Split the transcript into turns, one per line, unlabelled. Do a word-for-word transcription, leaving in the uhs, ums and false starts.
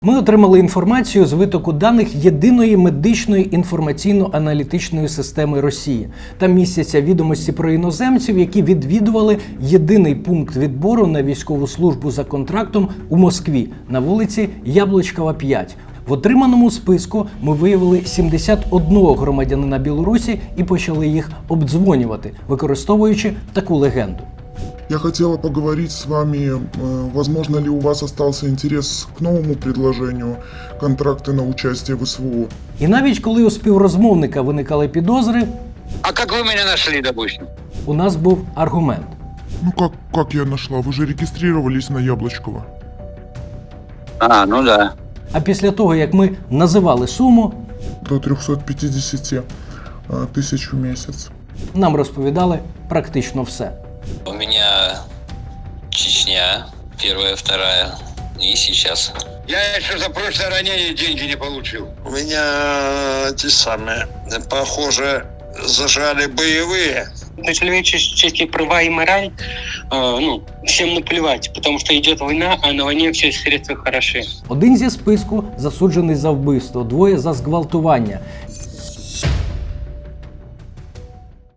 Ми отримали інформацію з витоку даних єдиної медичної інформаційно-аналітичної системи Росії. Там містяться відомості про іноземців, які відвідували єдиний пункт відбору на військову службу за контрактом у Москві на вулиці Яблочкова, п'ять. В отриманому списку ми виявили сімдесят одного громадянина Білорусі і почали їх обдзвонювати, використовуючи таку легенду.
Я хотела поговорить с вами, возможно ли у вас остался интерес к новому предложению контракты на участие в СВО.
І навіть коли у співрозмовника виникали підозри,
А как вы меня нашли, допустим?
у нас був аргумент.
Ну как, как я нашла? Вы же регистрировались на Яблочково.
А, ну да.
А після того, як ми називали суму,
До трёхсот пятидесяти тысяч в месяц.
нам розповідали практично все.
У меня Чечня, первая, вторая, и сейчас.
Я еще за прошлое ранение деньги не получил.
У меня те самые, похоже, зажали боевые.
На человеческие права и мораль, э, ну, всем наплевать, потому что идет война, а на войне все средства хороши.
Один зі списку засуджений за вбивство, двоє за зґвалтування.